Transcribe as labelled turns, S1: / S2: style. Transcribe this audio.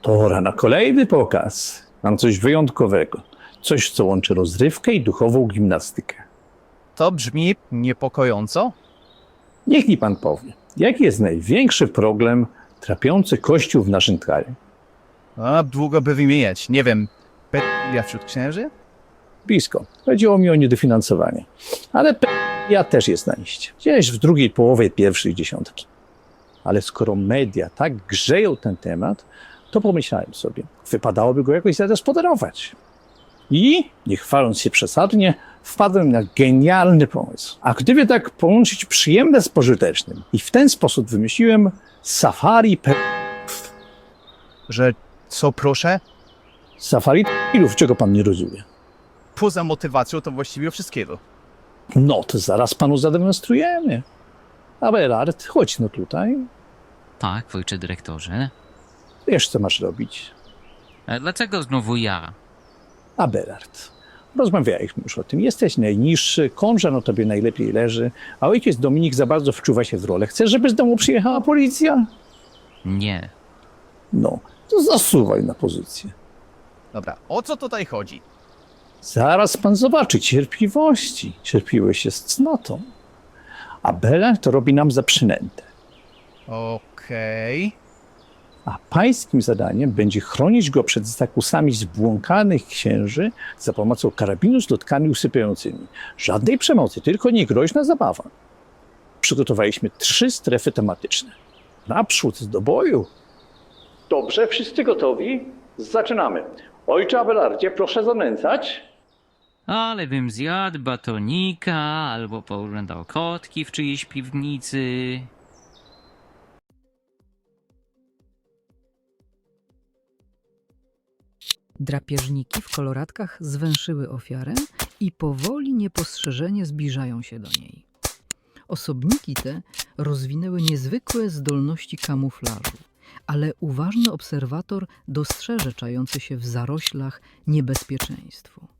S1: Pora na kolejny pokaz. Mam coś wyjątkowego. Coś, co łączy rozrywkę i duchową gimnastykę.
S2: To brzmi niepokojąco.
S1: Niech mi pan powie, jaki jest największy problem trapiący Kościół w naszym kraju?
S2: A długo by wymieniać. Nie wiem, pedofilia wśród księży?
S1: Blisko. Chodziło mi o niedofinansowanie. Ale ja też jest na liście. Gdzieś w drugiej połowie pierwszej dziesiątki. Ale skoro media tak grzeją ten temat, to pomyślałem sobie, wypadałoby go jakoś zagospodarować. I, nie chwaląc się przesadnie, wpadłem na genialny pomysł. A gdyby tak połączyć przyjemne z pożytecznym? I w ten sposób wymyśliłem safari
S2: Że co proszę?
S1: Safari ilów, czego pan nie rozumie.
S2: Poza motywacją to właściwie wszystkiego.
S1: No to zaraz panu zademonstrujemy. Abelard, chodź no tutaj.
S3: Tak, ojcze dyrektorze.
S1: Wiesz, co masz robić.
S3: A dlaczego znowu ja?
S1: Abelard, rozmawialiśmy już o tym. Jesteś najniższy, konża no tobie najlepiej leży, a ojciec Dominik za bardzo wczuwa się w rolę. Chcesz, żeby z domu przyjechała policja?
S3: Nie.
S1: No, to zasuwaj na pozycję.
S2: Dobra, o co tutaj chodzi?
S1: Zaraz pan zobaczy cierpliwości. Cierpiłeś się z cnotą. Abelard to robi nam za przynętę.
S2: Okej.
S1: A pańskim zadaniem będzie chronić go przed zakusami zbłąkanych księży za pomocą karabinu z lotkami usypiającymi. Żadnej przemocy, tylko niegroźna zabawa. Przygotowaliśmy 3 strefy tematyczne. Naprzód do boju. Dobrze, wszyscy gotowi? Zaczynamy. Ojcze Abelardzie, proszę zanęcać.
S3: Ale bym zjadł batonika albo pooglądał kotki w czyjejś piwnicy.
S4: Drapieżniki w koloratkach zwęszyły ofiarę i powoli, niepostrzeżenie zbliżają się do niej. Osobniki te rozwinęły niezwykłe zdolności kamuflażu, ale uważny obserwator dostrzeże czające się w zaroślach niebezpieczeństwo.